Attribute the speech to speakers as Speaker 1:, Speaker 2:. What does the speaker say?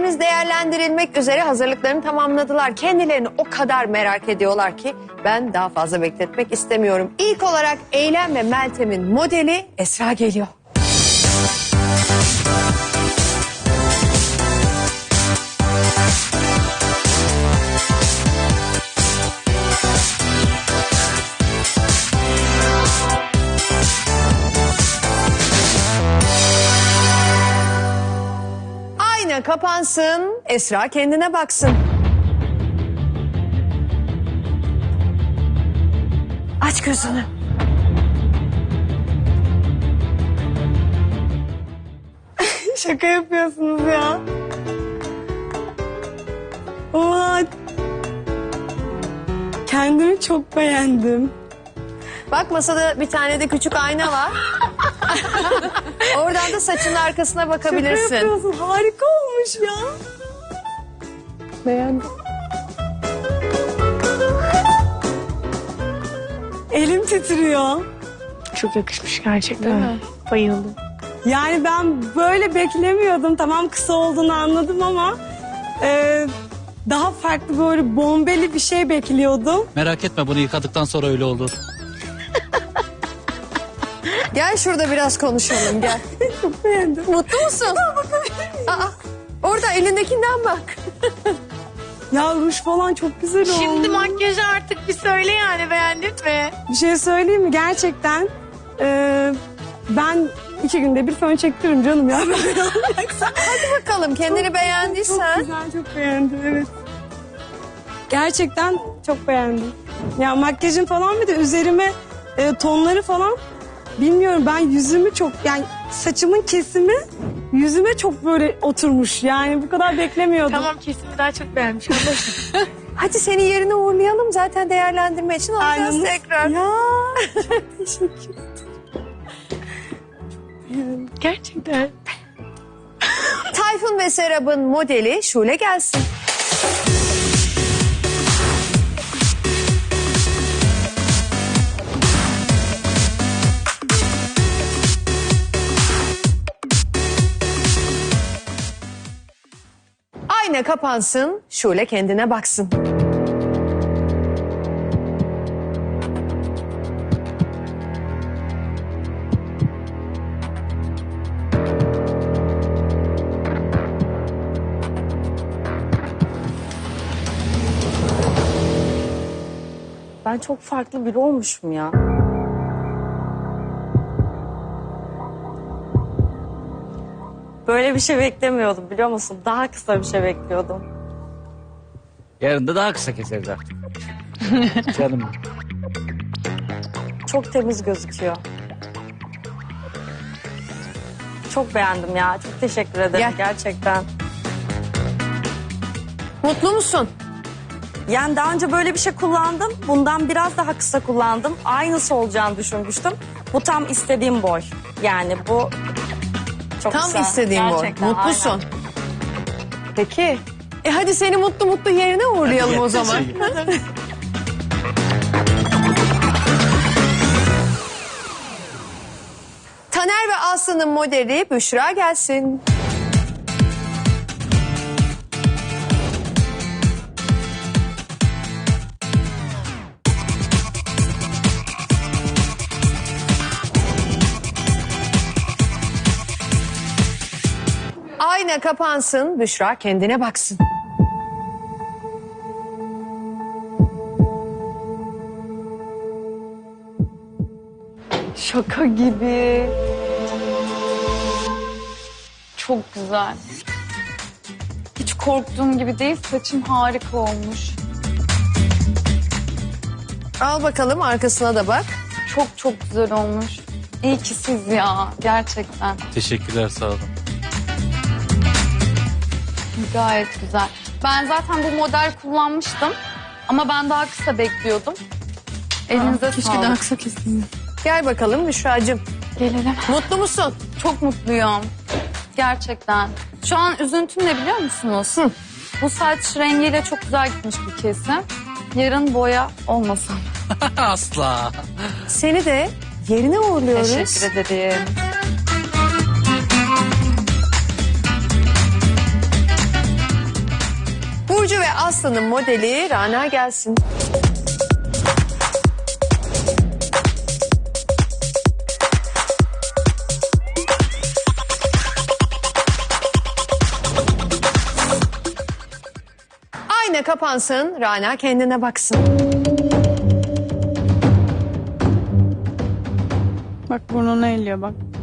Speaker 1: modellerimiz değerlendirilmek üzere hazırlıklarını tamamladılar. Kendilerini o kadar merak ediyorlar ki ben daha fazla bekletmek istemiyorum. İlk olarak Eylem ve Meltem'in modeli Esra geliyor. Ayna kapansın, Esra kendine baksın. Aç gözünü.
Speaker 2: Şaka yapıyorsunuz ya. Oha. Kendimi çok beğendim.
Speaker 1: Bak masada bir tane de küçük ayna var. Oradan da saçının arkasına
Speaker 2: Şaka
Speaker 1: bakabilirsin.
Speaker 2: yapıyorsun. Harika olmuş ya. Beğendim. Elim titriyor.
Speaker 3: Çok yakışmış gerçekten. Bayıldım.
Speaker 2: Yani ben böyle beklemiyordum. Tamam kısa olduğunu anladım ama daha farklı böyle bombeli bir şey bekliyordum.
Speaker 4: Merak etme, bunu yıkadıktan sonra öyle olur.
Speaker 1: Gel şurada biraz konuşalım gel.
Speaker 2: Çok beğendim.
Speaker 1: Mutlu musun? Aa, orada elindekinden bak.
Speaker 2: Ya ruj falan çok güzel oldu.
Speaker 3: Şimdi makyajı artık bir söyle yani, beğendin mi?
Speaker 2: Bir şey söyleyeyim mi? Gerçekten ben 2 günde bir fön çektiririm canım ya.
Speaker 1: Bakalım kendini
Speaker 2: Çok
Speaker 1: beğendiysen.
Speaker 2: güzel, çok beğendim evet. Gerçekten çok beğendim. Ya makyajın falan bir de üzerime tonları falan bilmiyorum, ben yüzümü çok yani saçımın kesimi yüzüme çok böyle oturmuş. Yani bu kadar beklemiyordum.
Speaker 3: Tamam, kesimi daha çok beğenmiş.
Speaker 1: Hadi seni yerine uğurlayalım zaten değerlendirme için alacağız
Speaker 2: Aynanız-
Speaker 1: tekrar.
Speaker 2: Ya çok teşekkür
Speaker 3: Gerçekten.
Speaker 1: Tayfun ve Serap'ın modeli Şule gelsin. Ayna kapansın, Şule kendine baksın.
Speaker 5: Ben çok farklı biri olmuşum ya. Böyle bir şey beklemiyordum biliyor musun? Daha kısa bir şey bekliyordum.
Speaker 4: Yarın da daha kısa keseriz artık. Canım.
Speaker 5: Çok temiz gözüküyor. Çok beğendim ya. Çok teşekkür ederim
Speaker 1: Gel.
Speaker 5: gerçekten.
Speaker 1: Mutlu musun?
Speaker 5: Yani daha önce böyle bir şey kullandım. Bundan biraz daha kısa kullandım. Aynısı olacağını düşünmüştüm. Bu tam istediğim boy. Yani bu çok
Speaker 1: Tam
Speaker 5: kısa.
Speaker 1: istediğin boy.
Speaker 5: Gerçekten,
Speaker 1: Mutlusun.
Speaker 5: aynen.
Speaker 1: Peki. Hadi seni mutlu mutlu yerine uğurlayalım o zaman. Taner ve Aslı'nın modeli Büşra gelsin. Ayna kapansın, Büşra kendine baksın.
Speaker 6: Şaka gibi. Çok güzel. Hiç korktuğum gibi değil. Saçım harika olmuş.
Speaker 1: Al bakalım arkasına da bak.
Speaker 6: Çok çok güzel olmuş. İyi ki siz ya. Gerçekten.
Speaker 4: Teşekkürler, sağ olun.
Speaker 6: Gayet güzel. Ben zaten bu model kullanmıştım. Ama ben daha kısa bekliyordum. Elinize sağlık.
Speaker 3: kısa kesin.
Speaker 1: Gel bakalım Büşra'cığım.
Speaker 6: Gelelim.
Speaker 1: Mutlu musun?
Speaker 6: Çok mutluyum. Gerçekten. Şu an üzüntüm ne biliyor musunuz? Bu saç rengiyle çok güzel gitmiş bir kesim. Yarın boya olmasın.
Speaker 4: Asla.
Speaker 1: Seni de yerine uğurluyoruz.
Speaker 6: Teşekkür ederim.
Speaker 1: Burcu ve Aslı'nın modeli Rana gelsin. Ayna kapansın, Rana kendine baksın.
Speaker 2: Bak burnunu elliyor bak.